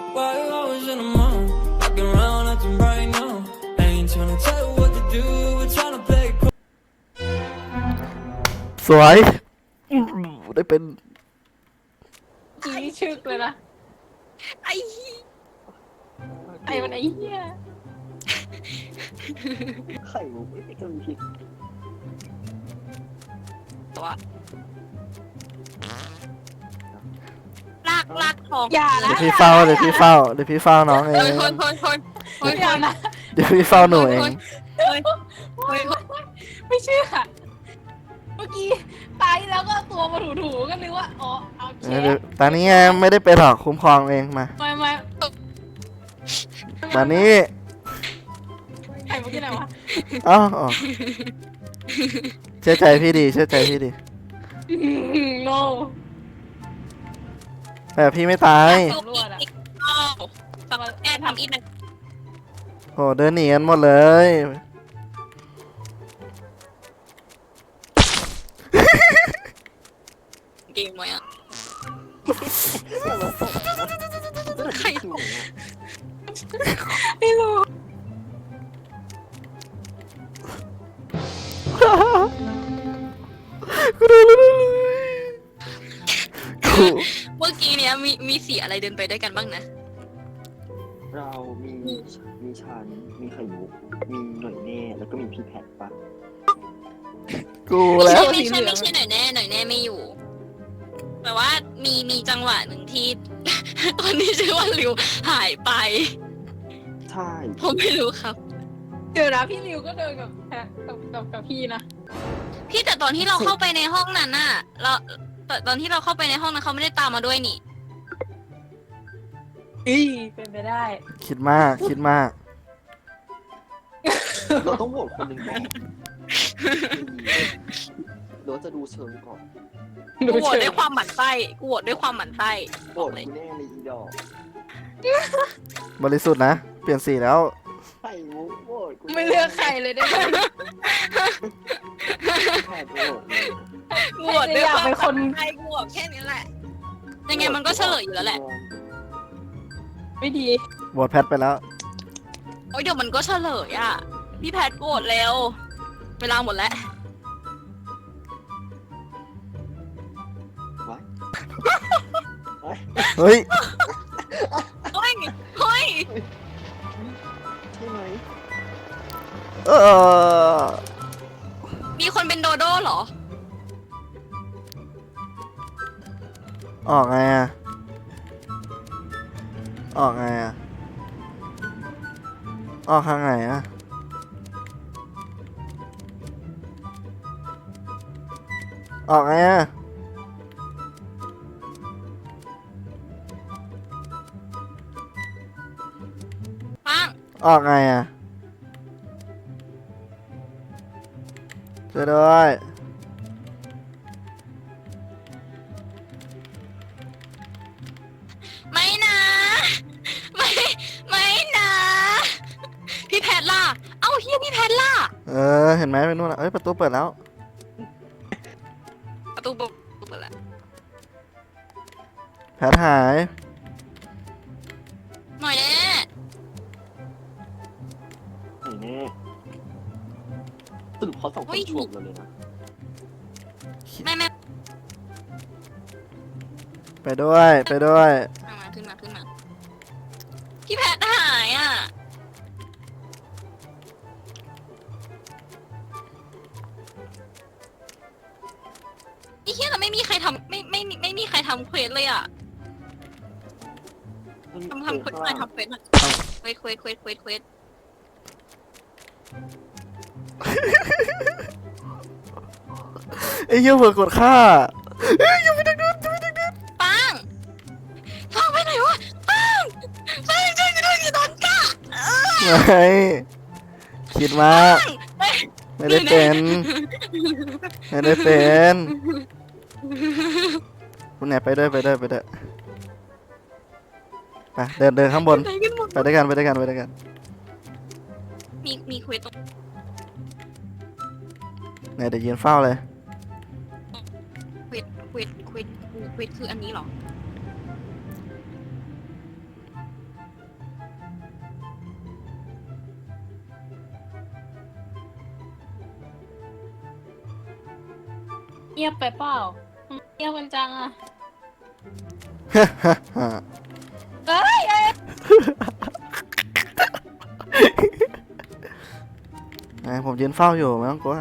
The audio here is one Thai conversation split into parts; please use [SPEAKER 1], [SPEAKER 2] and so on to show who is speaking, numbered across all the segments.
[SPEAKER 1] Why you always in the mood? Walking around acting right now. I ain't tryna tell you what to do. We're tryna play it cool.
[SPEAKER 2] สวยได้เป็น
[SPEAKER 3] จีชึกเลยนะไอ้มันไอ้เหี้ย
[SPEAKER 4] ไข่มุกไม่ทำผิด
[SPEAKER 5] ตัวลากทอง
[SPEAKER 3] อย่านะ
[SPEAKER 2] เดี๋ยวพี่เฝ้าน้องเอง
[SPEAKER 5] คน
[SPEAKER 3] อย่านะ
[SPEAKER 2] เดี๋ยวพี่เฝ้าหนูเอง
[SPEAKER 3] ไม่เชื่อเมื่อกี้ตายแล้วก็ตัวมาถูๆก็นึกว่าอ๋อเอาเช
[SPEAKER 2] เดี๋ยวตอนนี้ไงไม่ได้เป็นหรอกคุ้มครองเองมา
[SPEAKER 3] ไม่
[SPEAKER 2] ตอนนี้
[SPEAKER 3] ไข่เมื่อกี้ไหนวะ
[SPEAKER 2] อ๋อเชื่อใจพี่ดี
[SPEAKER 3] โง่
[SPEAKER 2] แต่พี่ไม่ตาย
[SPEAKER 3] ตำรวจอะ
[SPEAKER 5] ฟังแอนทำอีกหนึ่ง
[SPEAKER 2] โอ้เดินหนีกันหมดเลย
[SPEAKER 5] เกมไว้อะ
[SPEAKER 4] ใครถูก
[SPEAKER 3] ไม่รู้
[SPEAKER 2] กูโดนแล้วเลยกู
[SPEAKER 5] เมื่อกี้เนี้ยมีสีอะไรเดินไปด้วยกันบ้างนะ
[SPEAKER 4] เรามีฉันมีไข่มุกมีหน่อยแน่แล้วก็มีพี่แพทปะ
[SPEAKER 2] กูแล้ว
[SPEAKER 5] ไม่ใช่หน่อยแน่ไม่อยู่แต่ว่ามีจังหวะหนึ่งที่ ตอนนี้ชื่อว่าริวหายไป
[SPEAKER 4] ใช่
[SPEAKER 5] ผมไม่รู้ครับ
[SPEAKER 3] เดี๋ยวนะพี่ริวก็เดินกับแพะกับพี่นะ
[SPEAKER 5] พี่แต่ตอนที่เราเข้าไปในห้องนั้นน่ะตอนที่เราเข้าไปในห้องนั้นเขาไม่ได้ตามมาด้วยนี่
[SPEAKER 3] เป็นไปได้
[SPEAKER 2] คิดมาก
[SPEAKER 4] เราต้องโหวตคนหนึ่งก่อนเราจะดูเชิงก่อน
[SPEAKER 5] กูโหวตด้วยความหมั่นไส้โหวตด้วยความหมั่นไส้
[SPEAKER 4] โหวตกูแน่เลยอีดอก
[SPEAKER 2] บริสุทธิ์นะ เปลี่ยนสีแล้ว
[SPEAKER 4] ไข่มุกโหวตกู
[SPEAKER 3] ไม่เลือกใครเลยได้ไหม
[SPEAKER 4] แพทโหวตเลย
[SPEAKER 5] กูโหวตด้วยความ
[SPEAKER 3] เป็นคน
[SPEAKER 5] ไส้กูโหวตแค่นี้แหละยังไงมันก็เฉลยอยู่แล้วแหละ
[SPEAKER 3] ไม่ดี
[SPEAKER 2] โหวตแพทไปแล้ว
[SPEAKER 5] โอ้ยเดี๋ยวมันก็เฉลยอ่ะพี่แพทโหวตเร็วเวลาหมดแล้ว
[SPEAKER 2] เฮ้ย
[SPEAKER 5] เฮ้ย
[SPEAKER 4] ใช่ไหม
[SPEAKER 5] มีคนเป็นโดโด้เหรอ
[SPEAKER 2] ออกไงอะออกทางไหนอะออกไงอะ
[SPEAKER 5] ปัง
[SPEAKER 2] ออกไงอะช่วยด้วย
[SPEAKER 5] ไม่นะไม่นะพี่แพทล่ะเอ้าเฮียพี่แพทล่ะ
[SPEAKER 2] เห็นไหมไปนู่นละเอ้ยประตูเปิดแล้ว
[SPEAKER 5] ประตูเปิดแล้ว
[SPEAKER 2] แพทหาย
[SPEAKER 5] หน่อยแน่
[SPEAKER 4] ไหนแน่สรุปเขาสองคนชวบเราเลยนะ
[SPEAKER 5] แม่
[SPEAKER 2] ไปด้วย
[SPEAKER 5] ขึ้นมาพี่แพทหายอ่ะไอ้เฮียแต่ไม่มีใครทำไม่มีใครทำเควสเลยอ่ะทำเควสหน่อยเควส
[SPEAKER 2] ไอ้เหี้ยเผื่อกดฆ่า
[SPEAKER 5] ปังไปไหนวะปังช่วยโดนกะ
[SPEAKER 2] ไม่คิดมากไม่ได้เป็นคุณแหนไปด้วยไปเดินข้างบน ไปด้วยกัน
[SPEAKER 5] มีเควสตรง
[SPEAKER 2] ไหนเดี๋ยวยืนเฝ้าเลย
[SPEAKER 5] เควสคืออันนี้เหรอ
[SPEAKER 3] งียบไปเปล่าเงียบกันจังอะเอ้ยเอ้ย
[SPEAKER 2] ไงผมยืนเฝ้าอยู่ไม่ต้องกลัว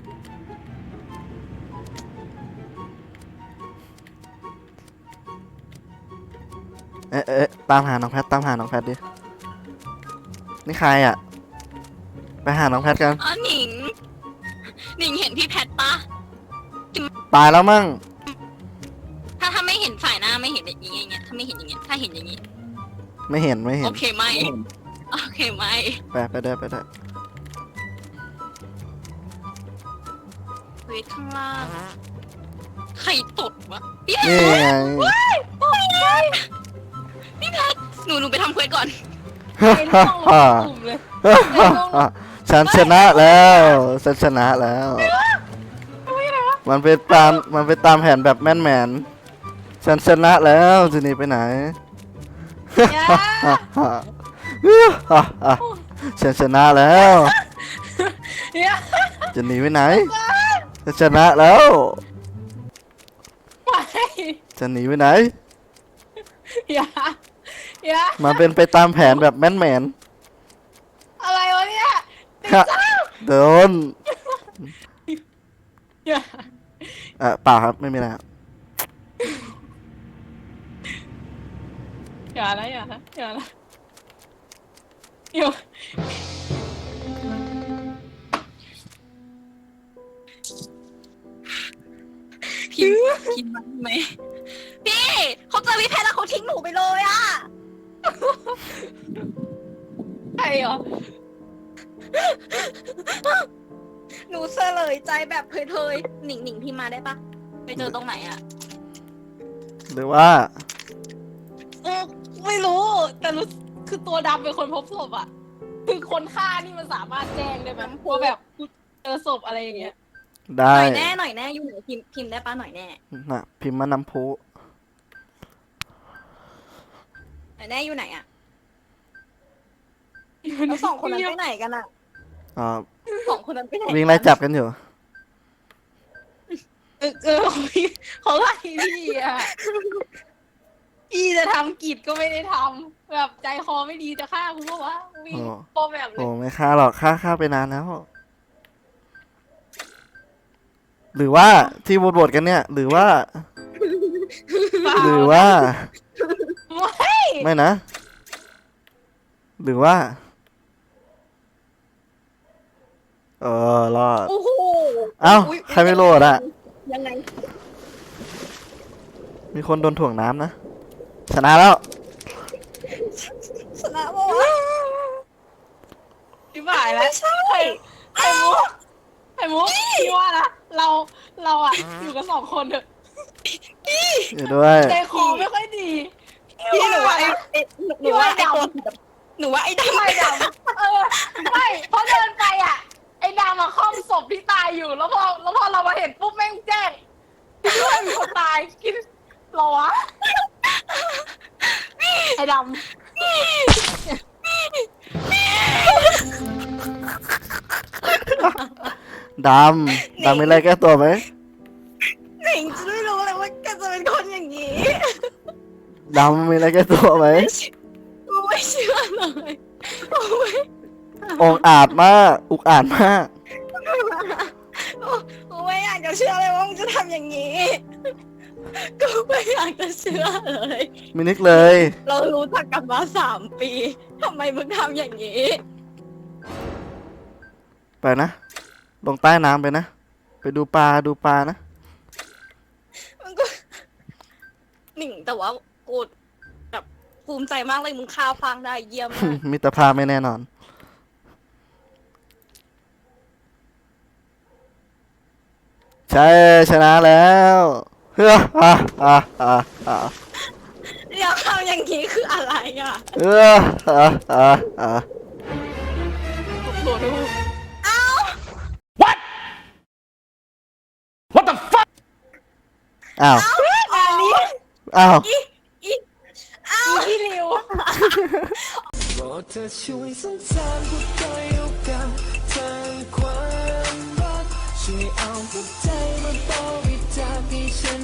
[SPEAKER 2] ตามหาน้องแพทตามหาน้องแพทดินี่ใครอ่ะไปหาน้องแพทกัน
[SPEAKER 5] อ๋อหนิงเห็นพี่แพทปะ
[SPEAKER 2] ตายแล้วมั่ง
[SPEAKER 5] ถ้าไม่เห็นฝ่ายหน้าไม่เห็นอย่างเงี้ยถ้าไม่เห็นอย่างเงี้ยถ้าเห็นอย่างงี้
[SPEAKER 2] ไม่เห็นไม่เห็
[SPEAKER 5] โอน เคไหมโอเคไหม
[SPEAKER 2] ไปได้
[SPEAKER 5] เฮ้ยข้างล่างใครตดวะพี่
[SPEAKER 2] นี่ไง
[SPEAKER 5] หนูไปทำเควสก่อน
[SPEAKER 3] ไอ้ลูกลงกลุ่มเลย
[SPEAKER 2] ฉันชนะแล้ว มันเป็นตามแผนแบบแม่นฉันชนะแล้วจะหนีไปไหน ฉันชนะแล้ว
[SPEAKER 3] เนี่ย
[SPEAKER 2] จะหนีไปไหนฉันชนะแล้ว
[SPEAKER 3] ไป
[SPEAKER 2] จะหนีไปไหน
[SPEAKER 3] อย่า
[SPEAKER 2] มันเป็นไปตามแผนแบบแม่น
[SPEAKER 3] อะไรวะเนี่ย
[SPEAKER 2] โดน
[SPEAKER 3] อย่า
[SPEAKER 2] เปล่าครับไม่มีอะไรครับ
[SPEAKER 3] อย่านะอย่าอยู่
[SPEAKER 5] พิมพ์มาไหมพี่เขาเจอพี่แพทแล้วเขาทิ้งหนูไปเลยอะ
[SPEAKER 3] ใครเหรอ
[SPEAKER 5] หนูเสลยใจแบบเพยๆหนิงพิมพ์มาได้ปะไปเจอตรงไหนอะ
[SPEAKER 2] หรือว่า
[SPEAKER 3] ไม่รู้แต่รู้คือตัวดำเป็นคนพบศพอ่ะคือคนฆ่านี่มันสามารถแจ้งได้ไหมว่าแบบเจอศพอะไรอย่างเงี้ย
[SPEAKER 2] ได้
[SPEAKER 5] หน่อยแน่อยู่ไหนพิมพ์ได้ปะหน่อยแน่
[SPEAKER 2] น่ะพิมพ์มานำพุ
[SPEAKER 5] หน่อยแน่อยู่ไหนอะแล้วสองคนนั้นไปไหนกันอะ
[SPEAKER 2] อ่า
[SPEAKER 5] สองคนนั้นไปไหน
[SPEAKER 2] วิ่งไล่จับกันอยู่
[SPEAKER 3] เขาไล่พี่อ่ะพี่จะทำกิจก็ไม่ได้ทำแบบใจคอไม่ดีจะฆ่ากูก็วะวิ่งปอแบบเล
[SPEAKER 2] โอ้
[SPEAKER 3] ย
[SPEAKER 2] ไม่ฆ่าหรอกฆ่าไปนานแล้ว หรือว่าที่โหวตกันเนี่ย หรือว่า ไม่นะ หรือว่ารอด
[SPEAKER 5] โอ้โห
[SPEAKER 2] เอ้าใครไม่โหลดอะ
[SPEAKER 5] ยังไง
[SPEAKER 2] มีคนโดนถ่วงน้ำนะชนะแล้ว
[SPEAKER 5] ชนะวะ
[SPEAKER 3] พี่บ่ายแล้วไข่มุกพี่ว่านะเราอ่ะอยู่กันสองคนเถอะ
[SPEAKER 2] อยู่ด้วย
[SPEAKER 3] ใจคอไม่ค่อยดี
[SPEAKER 5] พี่หนูว่าหนูว่าไอ้ตัวหนูว่าไอ้ดำ
[SPEAKER 3] ไม่ดำไม่เพราะเดินไปอ่ะไอ้ดำมาค่อมศพที่ตายอยู่แล้วพอเรามาเห็นปุ๊บแม่งแจ้งคิดว่ามีคนตายคิดหรอวะไอ้ดำ
[SPEAKER 2] ดำมีอะไรแก้ตัวไหม
[SPEAKER 5] หนิงจะไม่รู้เลยว่าแกจะเป็นคนอย่างนี้
[SPEAKER 2] ดำมีอะไรแก้ตัวไหม
[SPEAKER 5] กูไม่เชื่อเลย
[SPEAKER 2] องอาจมากอุกอาจมาก
[SPEAKER 5] กูไม่อยากจะเชื่อเลยว่ามึงจะทำอย่างนี้กูไม่อยากจะเชื่อเลย
[SPEAKER 2] ไม่นึกเลย
[SPEAKER 5] เรารู้จักกันมา3 ปีทำไมมึงทำอย่างนี้
[SPEAKER 2] ไปนะลงใต้น้ำไปนะไปดูปลานะ
[SPEAKER 5] มันก็หนิงแต่ว่ากูแบบภูมิใจมากเลยมึงฆ่าฟางได้เยี่ยมมาก
[SPEAKER 2] มิตรภาพไม่แน่นอนใช่ชนะแล้วเฮ้อ
[SPEAKER 5] เดี๋ยวทำอย่างนี้คืออะไรอ่ะ
[SPEAKER 2] โหดู อ้าว
[SPEAKER 3] อันนี้
[SPEAKER 2] อ้าว
[SPEAKER 3] พี่ริว
[SPEAKER 1] โปรดเธอช่วยสงสารหัวใจเอากันทางความรักช่วยเอาหัวใจมาต่อวิจให้ฉัน